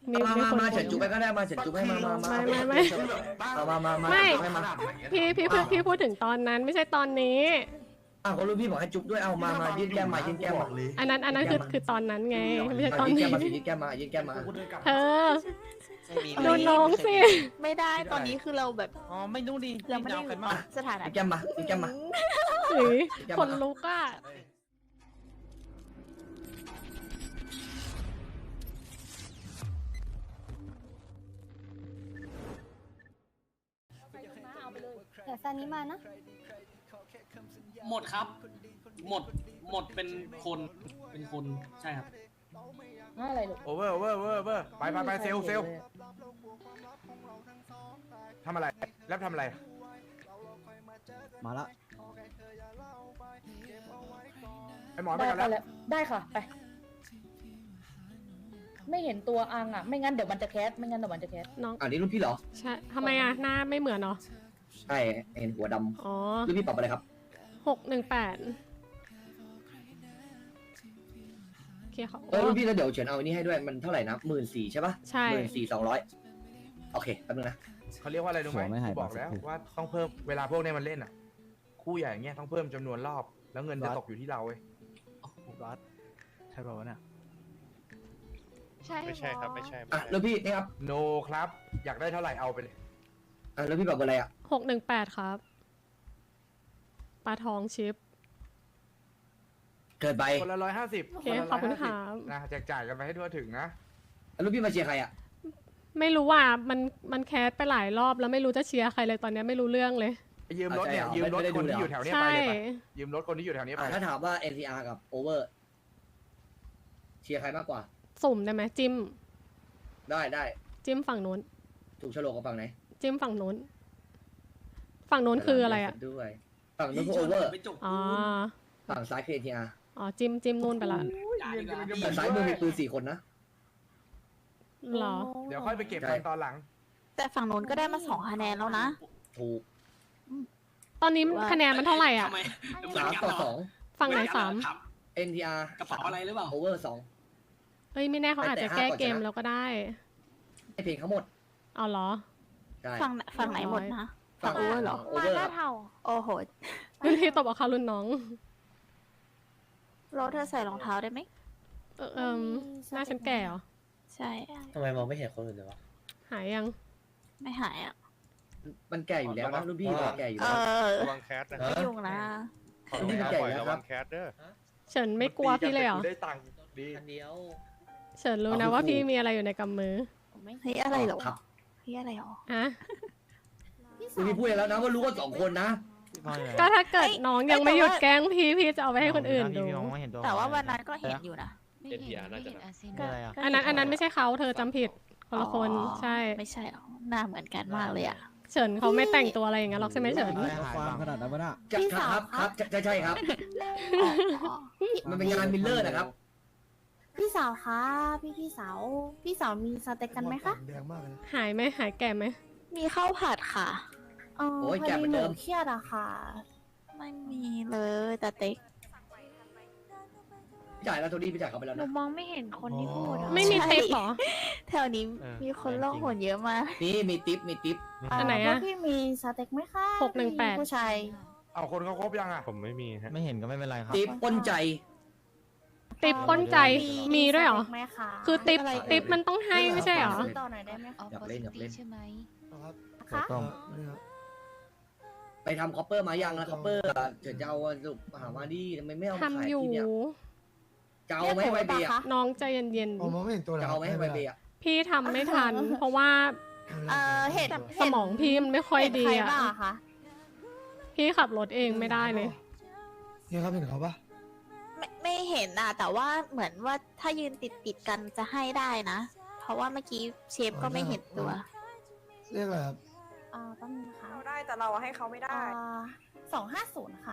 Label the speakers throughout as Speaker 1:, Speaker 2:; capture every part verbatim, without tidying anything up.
Speaker 1: มี
Speaker 2: มา
Speaker 1: มี
Speaker 2: มา
Speaker 1: คน
Speaker 2: มาเฉินจุ๊บไปก็ได้มาเฉินจุ๊บให้มามามา
Speaker 1: ไม่ไม่ไม่
Speaker 2: มามามา
Speaker 1: ไม่
Speaker 2: ให้มา
Speaker 1: พี่พี่พี่พี่พูดถึงตอนนั้นไม่ใช่ตอนนี้
Speaker 2: อ้าวเขารู้พี่บอกให้จุ๊บด้วยเอามามายื่นแก้มมายื่นแก้มมา
Speaker 1: อันนั้นอันนั้นคือคือตอนนั้นไงไม่ใช่ตอน
Speaker 2: ยื่น
Speaker 1: นี้
Speaker 2: แก้มมาสิยื่นแก้มมายื่นแก้มมา
Speaker 1: เธอดูน้องสิ
Speaker 3: ไม่ได้ตอนนี้คือเราแบบ
Speaker 4: อ๋อไม่รู้ดิ
Speaker 3: เราไม่ได้
Speaker 4: กันมาก
Speaker 3: สถานะ
Speaker 2: ยื่นแก้มมายื่นแก้มมา
Speaker 1: หรือคนลุกอ่ะ
Speaker 5: เดี๋ยวซานี้มานะ
Speaker 6: หมดครับ หมด หมดเป็นคน เป็นคน ใช่ครับ
Speaker 5: อะไรลูก
Speaker 7: โอเวอร์โอเวอร์โอเวอร์โอเวอร์ไปไปไปเซลเซลทำอะไรแล้วทำอะไร
Speaker 4: มาละ
Speaker 7: ไอหมอไปกันแล้ว
Speaker 5: ได้ค่ะ ไป ไม่เห็นตัวอังอ่ะ ไม่งั้นเดี๋ยวมันจะแคส ไม่งั้นเดี๋ยวมันจะแคส
Speaker 1: น้อง
Speaker 2: อ่านี่รุ่นพี่เหรอ
Speaker 1: ใช่ทำไมอ่ะหน้าไม่เหมือนเนาะ
Speaker 2: ใช่เห็นหัวด
Speaker 1: อ๋อ
Speaker 2: ำรุ่นพี่ปรับอะไรครับ
Speaker 1: หกหนึ่งแปดโอเคค่ะ
Speaker 2: เออรุ่นพี่แล้วเดี๋ยวเฉินเอาอันนี้ให้ด้วยมันเท่าไหร่นะหมื่นสี่ใช่ปะ
Speaker 1: ใช่
Speaker 2: หมื่นสี่สองร้อยโอเคแป๊บนึงนะ
Speaker 7: เขาเรียกว่าอะไรรู้ไหมกูบอกแล้วว่าต้องเพิ่มเวลาพวกนี้มันเล่นอ่ะ คู่ใหญ่อย่างเงี้ยต้องเพิ่มจำนวนรอบ แล้วเงินจะตกอยู่ที่เราเว้ย
Speaker 4: รัดใช่ป่าวเนี่ย
Speaker 3: ใช่
Speaker 8: ไม่ใช่ครับไม่ใช่
Speaker 2: อ่ะรุ่นพี่นี่ครับ
Speaker 7: โนครับ อยากได้เท่าไหร่เอาไปเลย
Speaker 2: อ่ะรุ่นพี่ปรับอะไรอ่ะ
Speaker 1: หกหนึ่งแปดครับปลาทองชิป
Speaker 2: เกิดไป
Speaker 7: คนละร้อยห้าสิบ
Speaker 1: โอเคขอบคุณค่ะ
Speaker 7: นะแจกจ่ายกันไปให้ทั่วถึงนะ
Speaker 2: อ่ะรุ่นพี่มาเชียร์ใครอ่ะ
Speaker 1: ไม่รู้ว่ามันมันแคสไปหลายรอบแล้วไม่รู้จะเชียร์ใครเลยตอนนี้ไม่รู้เรื่องเลย
Speaker 7: ยืมรถเนี่ยยืมรถคนที่อยู่แถวเนี้ย
Speaker 1: ใช่
Speaker 7: ไปเลยไปยืมรถคนที่อยู่แถวเนี้ยไป
Speaker 2: อ่ะถ้าถามว่า เอ็น ซี อาร์ กับ Over เชียร์ใครมากกว่า
Speaker 1: สุ่มได้ไหมจิ้ม
Speaker 2: ได้ได้
Speaker 1: จิ้มฝั่งนู้น
Speaker 2: ถูกโฉลกกับฝั่งไหน
Speaker 1: จิ้มฝั่งนู้น ฝั่งนู้นคืออะไรอ่ะ
Speaker 2: ด้วยฝั่งนู้นคือ Over
Speaker 6: ไปจบ
Speaker 1: อ๋อ
Speaker 2: ฝั่งซ้ายคือ เอ็น ซี อาร์
Speaker 1: อ๋อจิ้มจิ้มนู่นไปละ
Speaker 2: แต่ซ้ายมือมีปืนสี่คนนะ
Speaker 1: เหรอ
Speaker 7: เดี๋ยวค่อยไปเก็บกันตอนหลัง
Speaker 3: แต่ฝั่งนู้นก็ได้มาสองคะแนนแล้วนะ
Speaker 2: ถูก
Speaker 1: ตอนนี้คะแนนมันเท่าไหร่อ่ะ
Speaker 6: ทำไม
Speaker 2: สามต่อสอง
Speaker 1: ฝั่งไหนสาม
Speaker 2: เอ็น ที อาร์
Speaker 6: กระเป๋าอะไรหรือเปล่า
Speaker 2: Over สอง
Speaker 1: เอ้ยไม่แน่เขาอาจจะแก้เกมแล้วก็ได้
Speaker 2: ให้เพลงเขาหมด
Speaker 1: เอาเหรอ
Speaker 2: ใช่
Speaker 3: ฝั่งฝั่งไหนหมดนะ ฝั่งโอเวอร์เหรอ
Speaker 2: โอเวอร์
Speaker 3: โอ้โห
Speaker 1: รุ่นพี่ตบเอาคารุ่นน้อง
Speaker 3: เราเธอใส่รองเท้าได้ไหม
Speaker 1: เออเอมหน้าฉันแก่เหรอ
Speaker 3: ใช่
Speaker 8: ทำไมมองไม่เห็นคนอื่นเลยวะ
Speaker 1: หายยัง
Speaker 3: ไม่หายอ่ะ
Speaker 2: มันแก่อยู่แล้วนะรุ่นพี่แก่อยู่
Speaker 3: เอ
Speaker 2: แล้ว
Speaker 3: อ
Speaker 8: ระวังแคสนะ
Speaker 3: ไม่ยุ่งนะ
Speaker 8: ขอลงน้ำบ่อยระวังแคสเด้อ
Speaker 1: เฉินไม่กลัวพี่เลยเหรอ
Speaker 7: ได้ตังค์ดี
Speaker 1: เฉินรู้นะว่าพี่มีอะไรอยู่ในกำมือ
Speaker 3: เฮ้ยอะไรเหรอ
Speaker 2: ครับ
Speaker 3: เฮ้ยอะไรเหรอ
Speaker 1: อะ
Speaker 2: รุ่นพี่พูดแล้วนะว่ารู้กันสองคนนะ
Speaker 1: ก็ถ้าเกิด
Speaker 3: เอ้ย
Speaker 1: น้องยัง
Speaker 3: เอ้ย
Speaker 1: ไม่หยุด
Speaker 3: แต่ว่า
Speaker 1: แกล้งพี่พี่จะเอาไปให้คนอื่นดู
Speaker 3: แต่ว่าวันนั้นก็เห็นอยู่นะ
Speaker 8: เอ็นพีอาร์น่าจะนะ
Speaker 3: ก็
Speaker 1: อันนั้นอันนั้นไม่ใช่เขาเธอจำผิดคนละคน
Speaker 3: อ๋อ
Speaker 1: ใช่
Speaker 3: ไม่ใช่หรอหน้าเหมือนกันมากเลยอ่ะ
Speaker 1: เฉินเขาไม่แต่งตัวอะไรอย่างนั้นหรอกใช่ไหมเฉิน
Speaker 4: ความขนาดนั้นวะน่ะ
Speaker 2: จะ
Speaker 5: พี่
Speaker 2: ค
Speaker 5: สาว
Speaker 2: รับครับใช่ใช่ครับ
Speaker 3: อ๋อ
Speaker 2: มันเป็นงานมิลเลอร์นะครับ
Speaker 5: พี่สาวคะ พี่พี่สาว พี่สาวมีสเต็กกันไหมคะ
Speaker 4: แดงมากเลย
Speaker 1: หายไหมหายแก่ไหม
Speaker 3: มีข้าวผัดค่ะ
Speaker 5: เออ
Speaker 2: โอ้ย
Speaker 5: พอ
Speaker 2: แก่เหมื
Speaker 5: ดี
Speaker 2: อน
Speaker 5: ห
Speaker 2: เดิ
Speaker 5: นู
Speaker 2: ม
Speaker 5: เครียดอะค่ะ
Speaker 3: ไม่มีเลยแต่เต็ก
Speaker 2: พี่จ่ายแล้วโทนี่พี่จ่ายเขาไปแล้ว
Speaker 5: หนู
Speaker 2: นะ
Speaker 5: มองไม่เห็นคนที่พูดอะ
Speaker 1: ไม่มีเทปเหรอ
Speaker 3: แถวนี้มีคนล่องหนเยอะมาก
Speaker 2: นี่มีทิปมีทิป
Speaker 1: อันไหน
Speaker 5: เพว
Speaker 1: อะ
Speaker 5: กพี่มีสเต็กไหมคะ
Speaker 1: หกหนึ่งแปด
Speaker 5: ผู้ชาย
Speaker 7: เอาคนเขาครบยังอ่ะ
Speaker 8: ผมไม่มีฮะ
Speaker 4: ไม่เห็นก็ไม่เป็นไรครับ
Speaker 2: ทิปป้นใจ
Speaker 1: ติปป้นใจมีด้วยเหรอ
Speaker 5: สต็กไหมคะ
Speaker 1: คือติป
Speaker 3: อะไร
Speaker 1: ติปมันต้องให้ไม่ใช่เหรอ
Speaker 5: ซื้อต่อหน่อยได้ไหมคะ
Speaker 2: อยากเล่นอยากเล่น
Speaker 5: คะ
Speaker 4: ต้อง
Speaker 2: ไปทำคอปเปอร์มายังนะคอปเปอร์เดี๋ยวจะเอาสุหามาดิทำไมไม่เอามาขาย
Speaker 1: ทำอยู่
Speaker 2: ที่เนี่ยจะเอาไหมไวเบียร์
Speaker 1: น้องใจเย็น
Speaker 4: มองไม่เห็นตัว
Speaker 2: จะเอาไหมไวเบียร์
Speaker 1: ๆพี่ทำไม่ทัน เพราะว่า
Speaker 5: เออเห็น
Speaker 1: สมองพี่มันไม่ค่อยดี
Speaker 5: เห็น
Speaker 1: อะ
Speaker 5: ใครบ้างอะคะ
Speaker 1: พี่ขับรถเองไม่ได้เลย
Speaker 4: เนี่ยครับเห็นเขาปะ
Speaker 3: ไม่ไม่เห็นอ่ะ แต่ว่าเหมือนว่าถ้ายืนติดติดๆกันจะให้ได้นะ เพราะว่าเมื่อกี้เชฟก็ไม่เห็นตัว
Speaker 4: เรียกอะไรครับ
Speaker 5: เอ่าแป๊บนึงนะคะ
Speaker 9: เราได้แต่เราให้เขาไม่ได้
Speaker 5: สองห้าศูนย์ค่ะ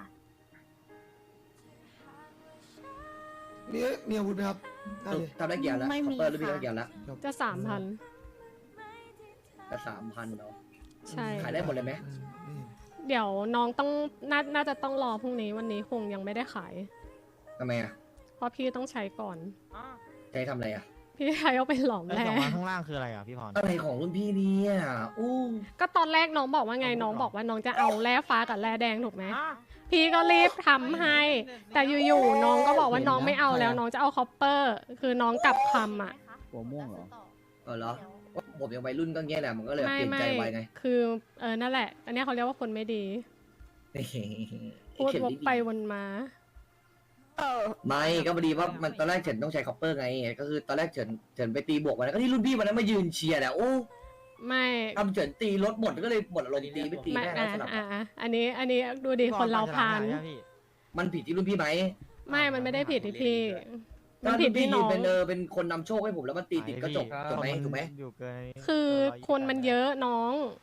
Speaker 4: มีมีอาวุธไหมครับได้เลย
Speaker 2: ทำได้กี่อันแล้ว
Speaker 5: ไม่
Speaker 2: คอ
Speaker 5: มี
Speaker 2: ปเปอร์รู้พี่
Speaker 5: ค่ะ
Speaker 2: ได้กี่อันแล้ว
Speaker 1: จะสามพัน
Speaker 2: แต่สามพันเนาะ
Speaker 1: ใช่
Speaker 2: ขายได้หมดเลยไหม
Speaker 1: เดี๋ยวน้องต้องนาน่าจะต้องรอพรุ่งนี้วันนี้คงยังไม่ได้ขาย
Speaker 2: ทำไมอ่ะ
Speaker 1: เพราะพี่ต้องใช้ก่อน
Speaker 2: จะให้ทำอะไรอ่ะ
Speaker 1: พี่ชายเอาไปหลอม
Speaker 9: แล้ว
Speaker 1: แร่
Speaker 9: สองล้านข้างล่างคืออะไรอ่ะพี่พร
Speaker 2: อะไรของรุ่นพี่เนี่ยอู้
Speaker 1: ก็ตอนแรกน้องบอกว่าไงน้องบอกว่าน้องจะเอาแร่ฟ้ากับแร่แดงถูกไหมพี่ก็รีบทำให้ แต่อยู่ๆน้องก็บอกว่าน้องไม่เอาแล้วน้องจะเอาคอปเปอร์ คือน้องกลับคำอ่ะ
Speaker 9: หัวม่วงเหรอ
Speaker 2: เออเหรอผมยังวัยรุ่นก็เงี้ยแหละมันก็เลยเป
Speaker 1: ไม่
Speaker 2: ลี่ยน
Speaker 1: ไม่
Speaker 2: ใจไวไง
Speaker 1: คือเออนั่นแหละ อันเนี้ยเขาเรียกว่าคนไม่ดี พูด
Speaker 2: เข็ม
Speaker 1: วก
Speaker 2: ดี
Speaker 1: ไปวนมา
Speaker 3: เออ
Speaker 2: ไม่ก็พอดีว่ามันตอนแรกเฉินต้องใช้คอปเปอร์ไง ก็คือตอนแรกเฉินเฉินไปตีบวกมาแล้วก็ที่รุ่นพี่วันนั้นมายืนเชียร์แหละโอ้
Speaker 1: ไม่
Speaker 2: ทำเฉินตีรถหมดก็เลยหมดอารมณ์ตีไปตี
Speaker 1: ไม่
Speaker 2: แม่
Speaker 1: อ่ะ
Speaker 2: แล้วสลับ
Speaker 1: อ่ะอ่ะอันนี้อันนี้ดูดิคนเราพาน
Speaker 2: มันผิดที่รุ่นพี่ไหม
Speaker 1: ไม่มันไม่ได้ผิดที่พี่ มัน
Speaker 2: ถ้า
Speaker 1: ผิ
Speaker 2: รุ่
Speaker 1: ด
Speaker 2: นพี่
Speaker 1: ที่
Speaker 2: ยื
Speaker 1: น้
Speaker 2: น
Speaker 1: อง
Speaker 2: เป็นเออเป็นคนนำโชคให้ผมแล้วมันตีติดก็จบถูกไหมถูกไหม
Speaker 9: อยู่เกิน
Speaker 1: คือคนมันเยอะน้อง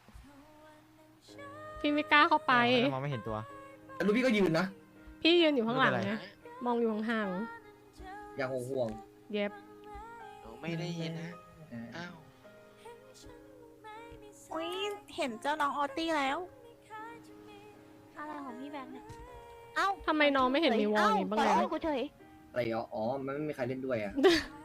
Speaker 1: พี่ไม่กล้าเข้าไป
Speaker 9: มองไม่เห็นตัว
Speaker 2: แต่รุ่นพี่ก็ยืนนะ
Speaker 1: พี่ยืนอยู่ข้างหลัง
Speaker 9: ไม่เป็นไร
Speaker 1: ไงมองอยู่ห่าง
Speaker 2: อย่างห่วง
Speaker 1: ๆเย็บ
Speaker 8: ไม่ได้ยินนะ อ้าว
Speaker 3: อุ้ยเห็นเจ้าน้องออตตี้แล้ว
Speaker 5: อะไรของพี่แบงค์เนี่ย
Speaker 3: เอ้า
Speaker 1: ทำไมน้องไม่เห็นมีวอลนี้บ้างเลย
Speaker 3: เอ้ากูเฉย
Speaker 2: ๆอะไรอ๋ออ๋อมันไม่มีใครเล่นด้วยอ่ะ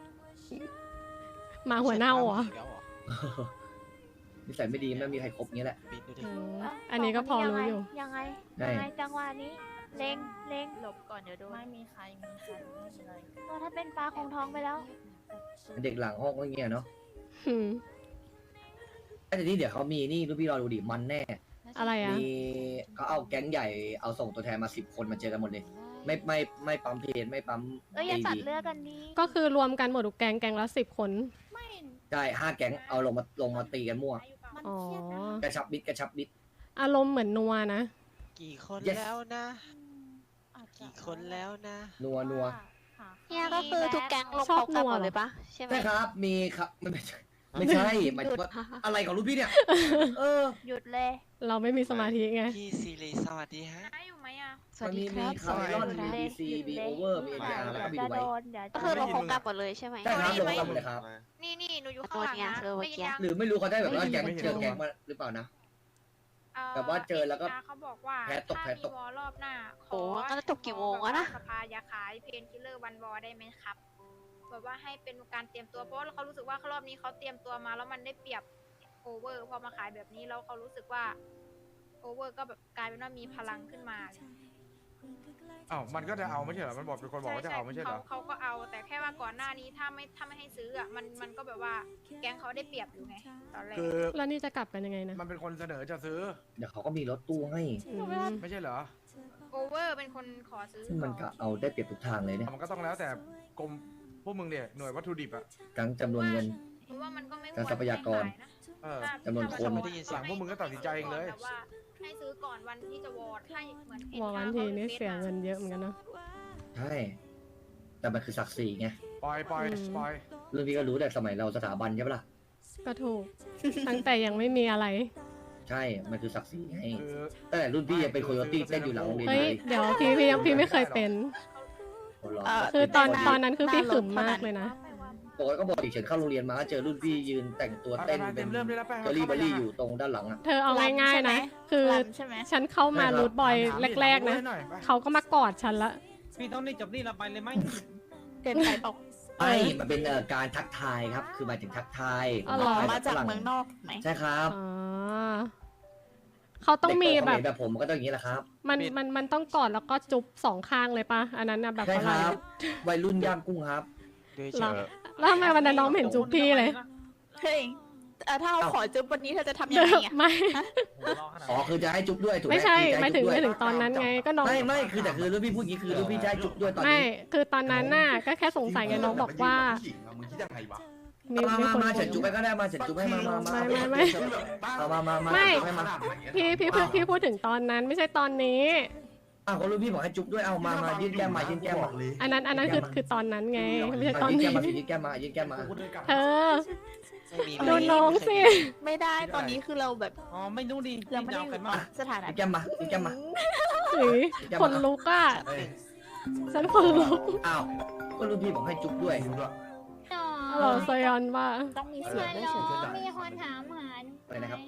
Speaker 1: หมาหัวเน่าเหรอ
Speaker 2: นิสัยไม่ดีไม่มีใครครบงี้แหละ
Speaker 1: อืมอันนี้ก็พอรู้อยู่
Speaker 5: ยังไง
Speaker 2: ใช่
Speaker 5: ยังไงจังหวะนี้ เล็งเล็ง
Speaker 3: หลบก่อนเดี๋ยวโดน
Speaker 5: ไม่มีใครมีใครไม่มีเลยก็ถ้าเป็นปลาคงท้องไปแล้ว
Speaker 2: เด็กหลังห้องก็เงี้ยเนาะ
Speaker 1: อืม
Speaker 2: แต่นี่เดี๋ยวเขามีนี่รุ่นพี่รอดูดิมันแน่
Speaker 1: อะไรอ่ะ
Speaker 2: มีเขาเอาแก๊งใหญ่เอาส่งตัวแทนมาสิบคนมาเจอกันหมดเลย ไม่ไม่ไม่ปั๊มเพจไม่ปั๊ม
Speaker 5: เอ้ยอย่าตัดเลือกกันดี
Speaker 1: ก็คือรวมกันหมดทุกแกงแกงละสิบคน
Speaker 5: ไม่
Speaker 2: ใช่ห้าแก๊งเอาลงมาลงมาตีกันมั่ว
Speaker 5: มัน
Speaker 1: อ๋อ
Speaker 5: เครียดนะ
Speaker 2: กระชับมิดกระชับมิด
Speaker 1: อารมณ์เหมือนนัวนะ
Speaker 8: กี่คน
Speaker 2: Yes
Speaker 8: แล้วนะ
Speaker 5: อาจจะ
Speaker 8: กี่คนแล้วนะ
Speaker 2: นัวนัว
Speaker 5: หา
Speaker 3: เนี่ยก็คือทุกแก๊งลง
Speaker 1: ชอบ
Speaker 3: พร้อมกัน
Speaker 1: นัว
Speaker 3: หมด
Speaker 1: เหรอ
Speaker 3: เลยปะใช่ไหม
Speaker 2: ใช่ครับ มีครับไม่ใช่ไม่ใช่หมายถึงว่าอะไรของรุ่นพี่เนี่ย เออ
Speaker 5: หยุดเลย
Speaker 1: เราไม่มีสมาธิไง
Speaker 8: พี่ซีรีสวัสดีฮะ
Speaker 5: ได้อยู่ไหมอ่ะ
Speaker 3: สวัสดี
Speaker 2: มัน
Speaker 3: ค
Speaker 2: มี
Speaker 3: รับ
Speaker 2: มีคาร์เมลอน
Speaker 3: สวัส
Speaker 2: มี
Speaker 3: ดี
Speaker 2: บีซีมีโอเวอร์มีเอ็นอาร์แล้วก็มี
Speaker 5: จะ
Speaker 2: ดูไว้
Speaker 5: โดนเดี๋ยว
Speaker 3: ก็
Speaker 5: จะ
Speaker 3: คือลง
Speaker 5: โด
Speaker 3: พร้อม
Speaker 5: น
Speaker 3: กันหมดเลยใช่ไหม
Speaker 2: ใช่ครับลงมาหมดเลยครับ
Speaker 5: นี่นี่หนูอยู่
Speaker 3: โด
Speaker 5: ข้างหลัง
Speaker 3: นไง
Speaker 5: นะ
Speaker 3: เธอเมื่อกี้
Speaker 2: หรือไม่รู้เขาได้แบบว่า
Speaker 3: ไม่
Speaker 2: แก๊ง
Speaker 3: เห็น
Speaker 2: เจอแก๊งมาหรือเปล่านะ แบบว่าเจอแล้วก็
Speaker 5: เขาบอกว่า
Speaker 2: แพ้ตกแพ้ตก
Speaker 5: ถ้ามีวอลรอบหน้า
Speaker 3: โอ้งั้นจะตกกี่โมงวะนะ
Speaker 5: สภาอย่าขายเพนคิลเลอร์วันวอลได้ไหมครับแบบว่าให้เป็นการเตรียมตัวเพราะว่าเขารู้สึกว่ารอบนี้เขาเตรียมตัวมาแล้วมันได้เปรียบโอเวอร์พอมาขายแบบนี้แล้วเขารู้สึกว่าโอเวอร์ก็แบบกลายเป็นว่ามีพลังขึ้นมา
Speaker 7: อ้าวมันก็จะเอาไม่ใช่เหรอ มันบอกเป็นคนบอกว่าจะเอาไม่ใช่เหรอ
Speaker 5: เขาเขาก็เอาแต่แค่ว่าก่อนหน้านี้ถ้าไม่ถ้าไม่ให้ซื้ออ่ะมันมันก็แบบว่าแก๊งเขาได้เปรียบอยู่ไงตอนแรก
Speaker 7: คือ
Speaker 1: แล้วนี่จะกลับกันยังไงนะ
Speaker 7: มันเป็นคนเสนอจะซื้อ
Speaker 2: เดี๋ยวเขาก็มีรถตู้ให้
Speaker 1: อืม
Speaker 7: ไม่ใช่เหรอ
Speaker 5: โอเวอร์เป็นคนขอซื้อ
Speaker 2: ซึ่งมันก็เอาได้เปรียบทุกทางเลยเนี่ย
Speaker 7: มันก็ต้องแล้วแต่กรมพวกมึงเนี่ยหน่วยวัตถุดิบอะ
Speaker 2: ทั้งจำนวนเงิน
Speaker 5: เพราะว่ามันก็ไม่
Speaker 2: แต่ทรัพยากร
Speaker 7: เออ
Speaker 2: จำนวนคน
Speaker 8: ไม่ได้ยินเสียง
Speaker 7: พวกมึงก็ตัดสินใจเองเลย
Speaker 5: แต่ว่าให้ซื้อก่อนวันที่จะวอร์ดให้เหมือน
Speaker 1: วอลวันทีนี่เสียเงินเยอะเหมือนกันเนาะ
Speaker 2: ใช่ แต่มันคือศักดิ์ศรีไง
Speaker 7: ปล่อยปล่อย
Speaker 1: อืม
Speaker 7: ปล่อย
Speaker 2: เรื่องพี่ก็รู้แต่สมัยเราสถาบันใช่ปะล่ะ
Speaker 1: ก็ถูก ตั้งแต่ยังไม่มีอะไร
Speaker 2: ใช่ มันคือศักดิ์ศรีไง
Speaker 7: คือ
Speaker 2: ตั้งแต่รุ่นพี่ยังเป็นโคโยตี้เต้นอยู่หลังโรงเรียน
Speaker 1: เฮ้
Speaker 2: เลย ย
Speaker 1: เดี๋ยวพี่พี่ยังพี่ไม่เคยเป็น
Speaker 2: คนรอ
Speaker 3: เอ่อ
Speaker 1: คือตอน
Speaker 2: เป็
Speaker 1: ตอนนั้นคือพี่ขึมมากเลยนะ
Speaker 2: ปกติก็บอกดิเฉินเข้าโรงเรียนมาก็เจอรุ่นพี่ยืนแต่งตัว
Speaker 7: ไป
Speaker 2: เต้น
Speaker 7: ไป
Speaker 2: เป็
Speaker 7: เต็
Speaker 2: น
Speaker 7: มเริ่มได้แล้วไป
Speaker 2: เจอรี่เบอรี่อยู่ตรงด้านหลังอ่ะ
Speaker 1: เธอเอาง่ายๆนะ คือ
Speaker 3: ลำใช่ไหม
Speaker 1: ฉันเข้ามา
Speaker 2: ใช่ครับ
Speaker 1: รูทบอย
Speaker 7: ถามดิ
Speaker 1: แรกๆนะ
Speaker 7: ถามหน่อยไป
Speaker 1: เขาก็มากอดฉันละ
Speaker 6: พี่ต้องนี่จบนี่เราไปเลยไหม
Speaker 3: เกินไปบอก
Speaker 2: ไม่มันเป็นเอ่อการทักทายครับ คือหมายถึงทักทาย
Speaker 1: อ๋อเหรอ
Speaker 3: มาจากเมืองนอกถูกไหม
Speaker 2: ใช่ครับ
Speaker 1: อ๋อเขาต้องมี
Speaker 2: เด็ก
Speaker 1: แบ
Speaker 2: เข
Speaker 1: บ
Speaker 2: มรแบบผมมันก็ต้องอย่างนี้แหละครับ
Speaker 1: มันมันมันต้องกอดแล้วก็จุ๊บสองข้างเลยปะอันนั้นนะแบบ
Speaker 2: ใช่
Speaker 1: อะ
Speaker 2: ค
Speaker 1: ไร
Speaker 2: รับ วัยรุ่นย่างกุ้งครับ
Speaker 8: ด้วย
Speaker 1: เรา
Speaker 8: เชิญ
Speaker 1: แล้วทำไมวันนั้นน้องไม่เห็นจุ๊บพี่เลย
Speaker 3: เฮ้ยเอ่อถ้าเอา
Speaker 2: เอ้า
Speaker 3: ขอจุ๊บวันนี้เธอจะทำยังไงอ่ะ
Speaker 1: ไม่
Speaker 2: อ๋อคือจะให้จุ๊บด้วยถูกไหม
Speaker 1: ไม่ใช่
Speaker 2: คือจะ
Speaker 1: ไม่
Speaker 2: ให้
Speaker 1: ถึง
Speaker 2: จุ๊บ
Speaker 1: ไม่
Speaker 2: ด้
Speaker 1: ถึ
Speaker 2: วย
Speaker 1: งตอนนั้นไงก็น้อง
Speaker 2: ไม่ไม่คือแต่คือรุ่นพี่พูดอย่างนี้คือรุ่นพี่จะให้จุ๊บด้วยตอน
Speaker 1: ไม่
Speaker 2: นี้
Speaker 1: คือตอนนั้นน่ะก็แค่สงสัยไงน้องบอกว่า
Speaker 4: มึงคิดยังไงวะ
Speaker 1: มี
Speaker 2: มา
Speaker 1: มี
Speaker 2: มา
Speaker 1: คน
Speaker 2: มาเฉินจุ๊บไปก็ได้มาเฉินจุ๊บให้มามามา
Speaker 1: ไม่ไม่ไม่
Speaker 2: เอามามามา
Speaker 1: ไม่
Speaker 2: จุ๊บให้มา
Speaker 1: พี่พี่พี่พี่พูดถึงตอนนั้นไม่ใช่ตอนนี้
Speaker 2: อ้าวก็รุ่นพี่บอกให้จุ๊บด้วยเอามามายื่นแก้มมายื่นแก้มมา
Speaker 1: อันนั้นอันนั้นคือคือตอนนั้นไงไม่ใช่ตอน
Speaker 2: ยื่น
Speaker 1: นี้
Speaker 2: แก้มมาสิยื่นแก้มมายื่นแก้มมา
Speaker 1: เธอ
Speaker 8: ไม่มี
Speaker 1: ดูน้องสิ
Speaker 3: ไม่ได้ตอนนี้คือเราแบบ
Speaker 6: อ๋อไม่รู้ดิ
Speaker 3: เราไม่ได้อยู่สถานะ
Speaker 2: ยื่นแก้มมายื่นแก้มมา
Speaker 1: หือคนลุกอ่ะฉันคนลุก
Speaker 2: อ้าวก็รุ่นพี่บอกให้จุ๊บด้วย
Speaker 1: ฮัลโหลซยอนว่า
Speaker 3: ต้องมีเสียงด้วยเฉย
Speaker 5: มีคนถามหา
Speaker 2: อะไรนะครับ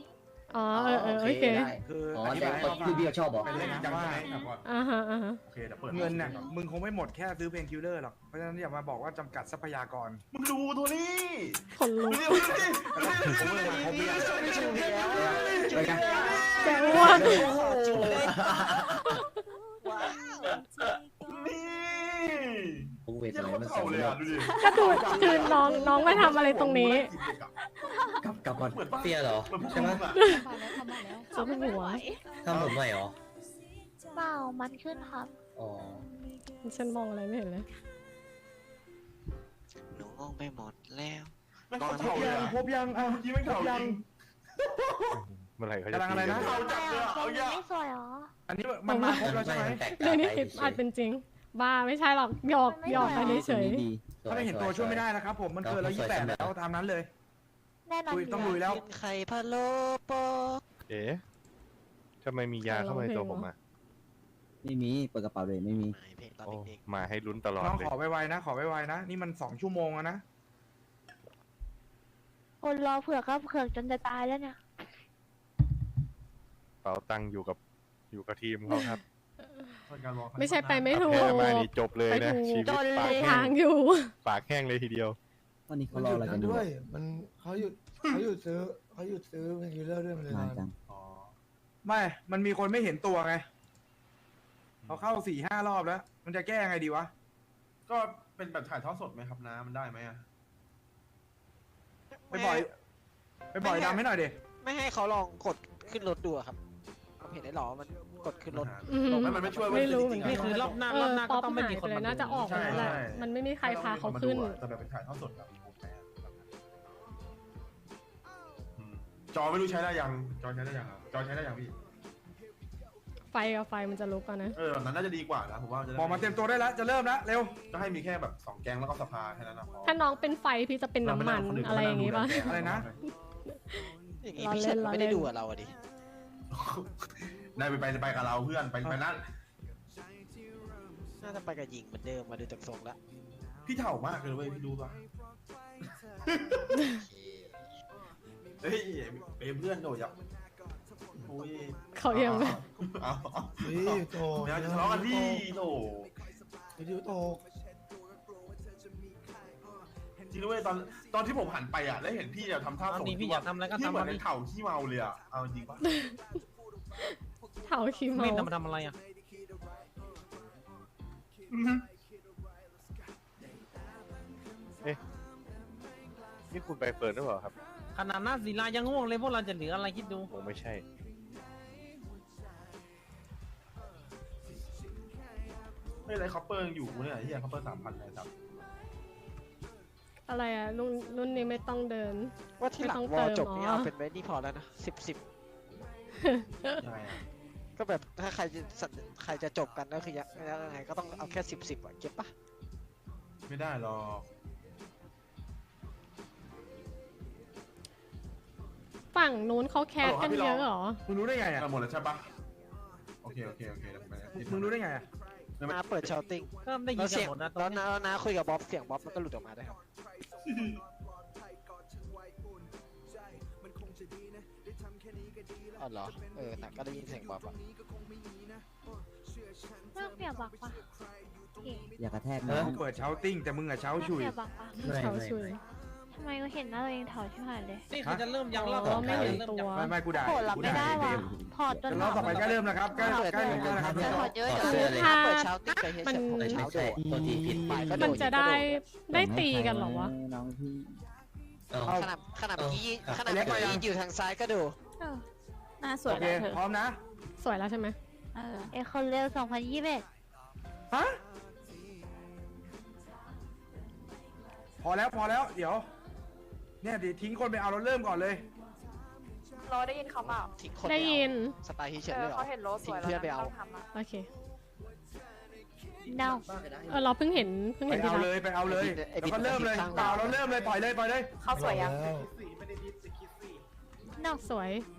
Speaker 1: อ๋อเออเออโอเค
Speaker 2: ได้
Speaker 7: คือ
Speaker 2: อ๋อ
Speaker 7: อธิ
Speaker 2: แต่
Speaker 7: บายให้
Speaker 2: เขา
Speaker 7: เขาฟั
Speaker 2: ลู
Speaker 7: ง
Speaker 2: กพี่เขาชอบบอก
Speaker 7: เป็นเรื่องจริงจังใช่ไหม
Speaker 1: อ่าฮะอ่าฮะ
Speaker 10: โอเคเดี๋ยวเปิด
Speaker 7: เงินน่ะมึงคงไม่หมดแค่ซื้อเพลงคิลเลอร์หรอกเพราะฉะนั้นอย่ามาบอกว่าจำกัดทรัพยากร
Speaker 10: มึงดูตัวนี้
Speaker 1: คนลุก
Speaker 10: ดูดิดูดิ
Speaker 7: ผมเลยมาครบหรือยัง
Speaker 2: เป็นไง
Speaker 1: จะอ้วน
Speaker 10: นี่
Speaker 2: กูเวท
Speaker 10: เจ้า
Speaker 2: อะไร
Speaker 10: เขา
Speaker 2: มัน
Speaker 10: เข่า
Speaker 2: สอง
Speaker 10: เลย
Speaker 2: รอ
Speaker 10: อ่ะ
Speaker 2: บ
Speaker 10: ดูดิ
Speaker 1: ก็ดูคือน้องน้องมาทำอะไรตรงนี้
Speaker 2: กลับกลับก่อน
Speaker 10: เหมือนปะ
Speaker 2: เตี้ยเหรอ
Speaker 10: เหมือนพวก
Speaker 2: ใช่ไหม
Speaker 10: มึงอ่ะ
Speaker 1: ซุปหัว
Speaker 2: ทำผมใหม่เหรอ
Speaker 3: เปล่ามันขึ้นครับ
Speaker 2: อ๋อ
Speaker 1: ฉันมองอะไรไม่เห็นเลย
Speaker 8: หนูงงไปหมดแล้ว
Speaker 10: ไม่เขา
Speaker 7: คร
Speaker 10: เข่า
Speaker 7: บ
Speaker 10: เลย
Speaker 7: ยัง
Speaker 10: อ่ะ
Speaker 7: ครบยังอ่ะ
Speaker 10: เมื่อกี้ไม่
Speaker 7: คร
Speaker 10: เข่า
Speaker 7: บ
Speaker 10: จ
Speaker 7: ยั
Speaker 10: ริ
Speaker 7: ง
Speaker 10: ง
Speaker 11: เมื่อไหร่เขาจะ
Speaker 7: กำลังอะไรนะ
Speaker 11: ตีกั
Speaker 10: เข่าจัดเลยอ่ะเอายัง
Speaker 3: ไม่สวยเหรอ
Speaker 7: อันนี้มันมาครบแล้วใช่ไหม
Speaker 1: เรื่องนี้คิดอาจเป็นจริง บ้าไม่ใช่หรอกหยอกหยอกไปเฉย
Speaker 7: ถ้าไม่เห็นตัวช่วยไม่ได้นะครับผมมันเกินแล้วยี่สิบแปดแล้วตามนั้นเลย
Speaker 3: แน่นอน
Speaker 7: ลุยต้องลุยแล้ว
Speaker 8: กินไข่พะโล้โปะ
Speaker 11: เอ๊ะทำไมมียาเข้ามาในตัวผมอ่ะ
Speaker 9: ไม่มีเปิดกระเป๋าเลยไม่มี
Speaker 8: ไม่เพลงตอน
Speaker 11: โอ้
Speaker 8: เด็ก
Speaker 11: มาให้ลุ้นตลอด
Speaker 7: น้อง
Speaker 11: เลย
Speaker 7: ขอไวๆนะ ขอไวๆนะ นี่มันสองชั่วโมงแล้วนะ
Speaker 3: คนรอเผือกก็เผือกจนจะตายแล้วเนี่ย
Speaker 11: เป๋าตังค์อยู่กับอยู่กับทีมเขาครับ
Speaker 1: ๆ ไม่ใช่ไปไม่ถูก
Speaker 11: แพ้มานี่จบเลย
Speaker 1: ไป
Speaker 11: นะ
Speaker 1: ถูก
Speaker 11: ชีวิต
Speaker 1: จนเล
Speaker 11: ปาก
Speaker 1: ย
Speaker 11: แห้
Speaker 1: ทาง งอยู่
Speaker 11: ปากแห้งเลยทีเดียว
Speaker 9: วันนี้เขา
Speaker 4: มัน
Speaker 9: ร
Speaker 4: ห
Speaker 9: อ
Speaker 4: ยุด
Speaker 9: อะไรกั
Speaker 4: นั้น น
Speaker 9: อยู่
Speaker 4: ด้วย มันเขาหยุดเขาหยุดซื้อเขาหยุดซื้อเพลงคิลเลอร์ด้วยมันเลย
Speaker 9: นาน
Speaker 4: นาน
Speaker 9: จัง
Speaker 7: ไม่ มันมีคนไม่เห็นตัวไงเขาเข้าสี่ห้ารอบแล้ว มันจะแก้ไงดีวะ
Speaker 10: ก็เป็นแบบถ่ายทอดสดไหมครับน้ามันได้ไหมอ่ะ
Speaker 7: ไปบ่อย ไปบ่อยดำให้หน่อยดิ
Speaker 8: ไม่ให้เขาลองกดขึ้นรถดูอะครับผมเห็นได้หรอมันกดขึ้นรถ
Speaker 1: อืม
Speaker 10: ไม่มันไม่ช่วย
Speaker 1: ไม่รู้เหมือนกัน
Speaker 10: นี่คือรอบ
Speaker 1: เออป๊อปหายไปเลยน่าจะออกแล้วแหละมันไม่มีใครพาเขาขึ้น
Speaker 10: แต่แบบเป็นถ่ายทอดสดแบบมีวงแปรอืมจอไม่รู้ใช้ได้ยัง จอใช้ได้ยังอ่ะจอใช้ได้ยังพี่
Speaker 1: ไฟกับไฟมันจะลุกกันนะ
Speaker 10: เออแบบนั้นน่าจะดีกว่านะผมว่าจะได้
Speaker 7: บอกมาเตรียมตัวได้แล้ว จะเริ่มแล้ว เร็ว
Speaker 10: ก็ให้มีแค่แบบสองแกงแล้วก็สภาแค่นั้นนะพอ
Speaker 1: ถ้าน้องเป็นไฟพี่จะเป็นน้ำมันอะไรอย่างงี้ป่ะ
Speaker 7: อะไรนะ
Speaker 8: อย่างงี้พี่เฉินก็ไม่ได้ดูกับเราอะดิ
Speaker 10: นายไปไปไปกับเราเพื่อนไปไปนั่น
Speaker 8: น่าจะไปกับหญิงเหมือนเดิมมาดูจากทรงละ
Speaker 10: พี่เถ่ามากเลยเว้ยพี่รู้ปะเฮ้ยเป็นเพื่อนโดดยับโอ้ย
Speaker 1: เขายังไม่
Speaker 10: เอาเอา
Speaker 4: นี่โต
Speaker 10: เดี๋ยวจะทะเลาะกันพี่โถ
Speaker 4: วิดีโอโต
Speaker 10: จริงด้วยตอนตอนที่ผมหันไปอ่ะแล้วเห็นพี่อะทำท่าส่งพี่อยากทำอะไรก็ทำพี่เหมือนเป็นเถ่าขี้เมาเลยอ่ะเอาจริงปะ
Speaker 1: เผาขี้เมา
Speaker 6: ทำมาทำอะไรอ่ะ
Speaker 11: นี่คุณไปเปิดหรือเปล่าครับ
Speaker 6: ขนาดหน้าศิลายังง่วงเลยพวกเราจะเหลืออะไรคิดดู
Speaker 11: คงไม่ใช่
Speaker 10: ไม่ไรคอปเปอร์ยังอยู่เนี่ยที่คอปเปอร์สามพันเลยครับ
Speaker 1: อะไรอ่ะรุ่นรุ่นนี้ไม่ต้องเดิน
Speaker 8: ว่าที่หลัง
Speaker 1: ไม่
Speaker 8: ว
Speaker 1: ต้
Speaker 8: อ
Speaker 1: องเติม
Speaker 8: จบนี่
Speaker 1: อ๋อ
Speaker 8: เอาเป็นไว้นี่พอแล้วนะสิบสิบ
Speaker 10: ยังไงอ่ะ
Speaker 8: ก็แบบถ้าใครจะสัญใครจะจบกันก็คือยังยังไงก็ต้องเอาแค่สิบสิบอะเก็บปะ
Speaker 10: ไม่ได้หรอก
Speaker 1: ฝั่งนู้นเขาแคสกันเยอะเหรอ
Speaker 7: มึงรู้ได้ไงอ่ะ
Speaker 10: หมดแล้วใช่ปะโอเคโอเคโอเคเดี๋ยวผมไป
Speaker 7: มึงรู้ได้ไงอ่ะ
Speaker 8: นาเปิดชาวติ้ง
Speaker 6: ก็ได้ยิ
Speaker 8: แล้
Speaker 6: น
Speaker 8: ว
Speaker 6: กั
Speaker 8: เสีย
Speaker 6: น
Speaker 8: ง
Speaker 6: หมดนะตอ
Speaker 8: แล้
Speaker 6: น
Speaker 8: ว
Speaker 6: นี้
Speaker 8: นาแล้วนาคุยกับบ๊อบเสียงบ๊อบมันก็หลุดออกมาได้ครับ อ๋อเหรอ เออแต่ก็ได้ยินเสียงบ๊อบอะ
Speaker 3: เรื่องเปียกบักปะ
Speaker 9: อย่ากระแทก
Speaker 7: มึ
Speaker 9: น้อง
Speaker 7: งเปิดเช้าติ้งแต่มึงอะเช้าฉุย
Speaker 3: เปียกบักปะ
Speaker 2: ไม่
Speaker 1: เขา
Speaker 2: ไม่
Speaker 1: ช่วย
Speaker 3: ทำไมก็เห็นหน้าตัวเองถอดชิบหายเลย
Speaker 6: นี่คือจะเริ่มยังรอบ
Speaker 1: อ๋อไม่เห็น
Speaker 6: เริ่ม
Speaker 1: ตัว
Speaker 6: ยัง
Speaker 7: ไม่ไม่กูด่า
Speaker 3: โหดรับ
Speaker 7: กู
Speaker 3: ไม่
Speaker 7: ด่า
Speaker 3: ได้
Speaker 7: เก
Speaker 3: ว่ะ
Speaker 7: ม
Speaker 3: ถอดจน
Speaker 7: เดี๋ยวรอบต่อไปใกล้เริ่มแล้วครับใกล้ใกล้ใกล้แล้วครับ
Speaker 3: จะถอดเยอะ
Speaker 2: ถอด
Speaker 3: เดี๋ยว
Speaker 2: เสื้อเลย
Speaker 1: ถ้า
Speaker 8: เปิดเช้าติ้งไปเฮ็ด
Speaker 1: มัน
Speaker 8: เสร็จผม
Speaker 2: ไม่
Speaker 8: เช้า
Speaker 2: ใช่
Speaker 8: โดด
Speaker 2: ตัวทีผิด
Speaker 8: ไปก็โด
Speaker 1: มัน
Speaker 8: ด
Speaker 1: จะได้ได้ตีกันเหรอวะ
Speaker 9: น้องพี่
Speaker 2: เอา
Speaker 8: ขนาดขนาดเมื่อกี้
Speaker 2: เอา
Speaker 8: ขนาดเมื่อกี้อยู่ทางซ้ายก็ดู
Speaker 3: เออหน้าสวย
Speaker 7: โอเค
Speaker 3: นะเธอ
Speaker 7: พร้อมนะ
Speaker 1: สวยแล้วใช่ไหม
Speaker 3: เออเอคอนเร็วสองพันยี่สิบเอ็ด
Speaker 7: ฮะ พอแล้วพอแล้ว เดี๋ยว เนี่ยเดี๋ยวทิ้งคนไปเอาเราเริ่มก่อนเลย
Speaker 5: รอได้ยินเขาเปล่า
Speaker 8: ทิ้งคน
Speaker 1: ได้ยิน
Speaker 8: สไตล์ที่เฉินเลยเหรอ
Speaker 5: เขาเห็นรถส
Speaker 8: ทิ้ง
Speaker 5: วย
Speaker 8: เพื่อนไปเอา
Speaker 1: โอเค
Speaker 3: no
Speaker 1: เออเราเพิ่งเห็นเพิ่ง
Speaker 7: ไป
Speaker 1: เห็นที่
Speaker 7: เอา
Speaker 1: รัก
Speaker 7: เลยไปเอาเลย
Speaker 8: ไอ้
Speaker 7: แล้ว
Speaker 8: บิ๊ก
Speaker 7: ก็เริ่มเลย
Speaker 8: ไอ้บิ๊ก
Speaker 7: เปล่าเราเริ่มเลยปล่อยเลยปล่อยเลย
Speaker 5: เขาสวยยัง
Speaker 4: แล้ว
Speaker 1: นอกสวย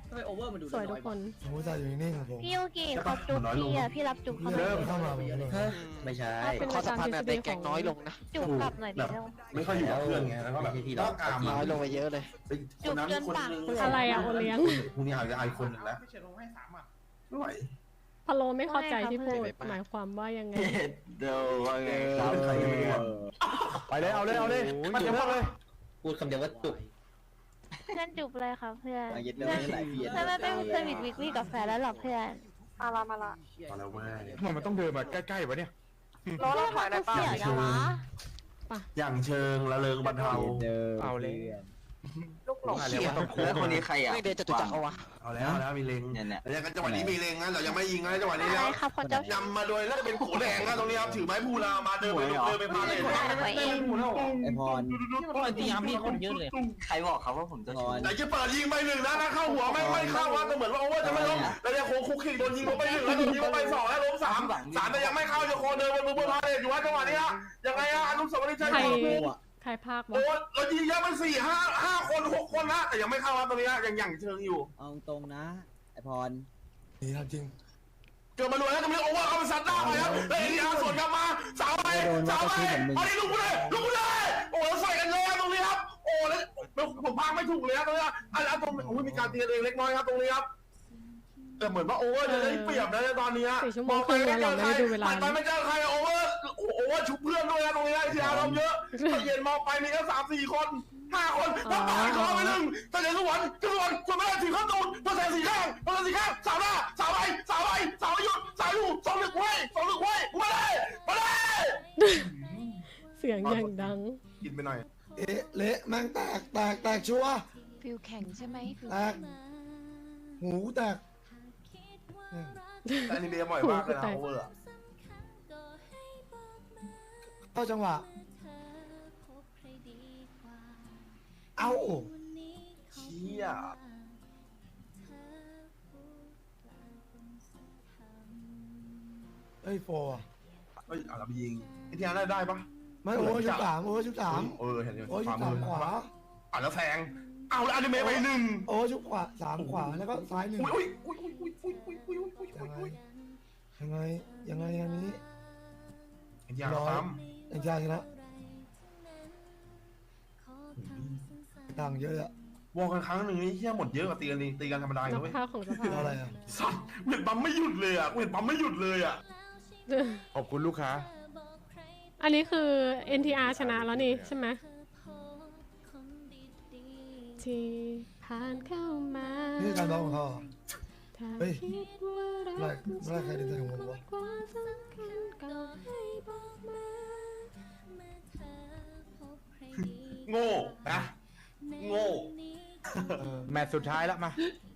Speaker 2: ทำไมโอเวอร์มันดู
Speaker 1: สวยทุกคน
Speaker 4: ผมอุตส่าห์อยู่นิ่งๆของผม
Speaker 3: พี่ยูกิเขาจุ๊บพี่อ่ะพี่รับจุ๊บเขาหน่
Speaker 4: เริ่
Speaker 3: อย
Speaker 4: มเข้ามาผมเลย
Speaker 2: ฮะไม่ใช่
Speaker 1: เป็น
Speaker 8: ข้อสัมพันธ์แบบในแก๊งน้อยลงนะ
Speaker 3: จุ๊บกลับหน่อยดิเร็ว
Speaker 10: ไม่ค่อยอยู่กับเพื่อนไงแล้วก็แบบ
Speaker 2: ไม่ใช่ที่
Speaker 10: ต้
Speaker 2: เรา
Speaker 10: องการ
Speaker 8: น้อยลงไปเยอะเลย
Speaker 3: จุ๊บจนปากเปื่อย
Speaker 1: อะไรอะโอเลี้ยง
Speaker 10: พรุ่งนี้อาจจะไอคนหนึ่งแล้วไม่ไหว
Speaker 1: พะโลไม่เข้าใจที่พูดหมายความว่ายังไง
Speaker 10: เดี๋ยวเป็นใครยังไม่รู้
Speaker 7: ไปเลยเอาเลยเอาเลยมันจะเลย
Speaker 2: พูดคำเดียวว่าจุก
Speaker 3: เพื่อนจุ๊บเลยค่ะเพื่อน
Speaker 9: มาเย็ดเดิ
Speaker 3: เพื่อน
Speaker 9: นหลายเพียน
Speaker 3: เพื่อนไม่เป็นเพื่อนวิกวิกวิกกับแฟนแล้วหรอเพื่อนมาละมาละ
Speaker 10: มาแล้วแม่
Speaker 7: ทำไมมันต้องเดินมาใกล้ๆวะเนี่ย
Speaker 3: รอเราถอยได้ป่ะเสียจังวะ
Speaker 10: อย่างเชิงละเริงบรรเทา
Speaker 7: เอาเลย
Speaker 3: ลูกหลง
Speaker 7: เรียกว่าต้องโค้ง
Speaker 2: แล้วคนนี้ใครอ่ะ
Speaker 8: ไม่เดินจตุจักรเอาวะ
Speaker 10: เอาแล้วเอาแล้วมีเล็ง
Speaker 2: เนี่ยเนี่ย
Speaker 10: แล้วจังหวะนี้มีเล็งนะเรายังไม่ยิงนะจังหวะนี้
Speaker 3: อะไร
Speaker 10: แล้ว
Speaker 3: ครับคนเจ้าชู้
Speaker 10: นำมาโดยน่าจะเป็นโขแดงนะตรงนี้ครับถือไม้พูลามาเดินไปเดินไปพาเลย
Speaker 3: ไว้เอง
Speaker 9: ไอพร
Speaker 2: ใครบอกเขาว่าผมจะ
Speaker 9: พร
Speaker 10: ไหนจะเปิดยิงไปหนึ่งนะถ้าเข้าหัวไม่ไม่เข้าว่าแต่เหมือนว่าโอเวอร์จะไม่ล้มแล้วจะโค้งคุกคิกโดนยิงลงไปหนึ่งแล้วโดนยิงลงไปสองแล้วล้มสามสามแต่ยังไม่เข้าจะโคเดินบนมือพาเลยอยู่ว่าจังหวะนี้ฮะยังไงฮะอนุสาวรีย์ชัย
Speaker 1: ใคร
Speaker 10: ภูมิ
Speaker 1: ใครภาควะ
Speaker 10: โอ้เรายิงเยอะมันสี่ห้าห้าคนหกคนนะแต่ยังไม่เข้าครับตรงนี้ยังยังเชิงอยู่
Speaker 9: เอาตรงนะ ไอพร
Speaker 4: นี่ทำจริง
Speaker 10: เกิดมาดูแล้วตรงนี้โอเวอร์เขาไปซัดหน้าไปครับเลยทีอาร์สวนกลับมาสาวไปสาวไปอันนี้ลุกไปเลยลุกไปเลยโอ้แล้วใส่กันเลยตรงนี้ครับโอ้แล้วผมพากไม่ถูกเลยครับตรงนี้อันนี้ตรงโอ้ยมีการตีเองเล็กน้อยครับตรงนี้ครับแต่เหมือนว่าโอเวอร์จะได้เปรียบนะตอนนี้
Speaker 1: สี่ชั่วโมงครึ่งแล้วเราไม่ได้ดูเวลา
Speaker 10: ไปไม่เจอใครโอเวอร์โอเวอร์ชุบเพื่อนด้วยนะตรงนี้ทีอาร์เราเยอะเย็นมองไปมีแค่สามสี่คนห้าคนต้องตายคอไปหนึ่งแต่เดี๋ยวสวนสวนคนไม่ได้ถือข้าวตูนตัวแสงสีข้างตัวแสงสีข้างสาวหน้าสาวไปสาวไปสาวหยุดสาวอยู่สองหนึ่งไว้สองหนึ่งไว้มาเลยมาเลย
Speaker 1: เสียงอย่างดัง
Speaker 10: กินไปหน่อย
Speaker 4: เอ๊ะเละแม่งแตกแตกแตกชัวร์
Speaker 3: ฟิวแข็งใช่ไหมฟิว
Speaker 4: แตกหูแตก
Speaker 10: แต่อันนี้เรียบ่อยมากเลยนะโอเวอร์
Speaker 4: เข้าจังหวะเอา
Speaker 10: เชี่ย
Speaker 4: เอ้ยโฟอ่ะ
Speaker 10: เฮ้ยเอาละไปยิงไอ้ที่อันได้ได้ปะ
Speaker 4: ไม่โอ้ชุดสามโอ้ชุดสาม
Speaker 10: เออเห็นอยู่
Speaker 4: โอ้ชุ
Speaker 10: ข
Speaker 4: ด
Speaker 10: วา
Speaker 4: สา
Speaker 10: มื
Speaker 4: ม
Speaker 10: อ
Speaker 4: ขวา
Speaker 10: อ่ะแล้วแทงเอาแล้วอนิเมะไปหนึ่ง
Speaker 4: โอ้ชุดขวาสามขวาแล้วก็ซ้ายหนึ่ง
Speaker 10: อุ้ยอุ้ยอุ้ยอุ้ยอุ้ยอุ้ยอุ้ยอุ้ยอุ้ย
Speaker 4: ยังไงยังไงยังไงอย่างนี้
Speaker 10: ไอ้ยาซ้ำ
Speaker 4: ไอ้ชาชนะต่างเยอะอะ
Speaker 10: วอลกันครั้งหนึ่งนี่เฮี้ยหมดเยอะกว่าตีกันตีกันธรรมดาอ
Speaker 1: นั
Speaker 10: ยู่
Speaker 1: ก
Speaker 10: เว้ย
Speaker 1: ภาคของสภา
Speaker 4: อะไรอ่ะ
Speaker 10: สัตว์เห็นปั๊มไม่หยุดเลยอ่ะเห็นปั๊มไม่หยุดเลยอ่ะ
Speaker 7: ขอบคุณลูกค้า
Speaker 1: อันนี้คือ เอ็น ที อาร์ ชนะแล้วนี่ใช่ไหมที่ผ่านเข้ามา
Speaker 4: นี่คือการร้องของเขาเหรอ
Speaker 1: ถ้า
Speaker 4: เฮ้ย
Speaker 1: คิดว่ารัก
Speaker 4: เมื่อไรเมื่อไรใครเดินใส่ของผมวะ
Speaker 1: ความสำคัญก็ให้บอกมา
Speaker 10: โง่นะโง่
Speaker 4: เออ
Speaker 7: แมตช์สุดท้ายแล้วมา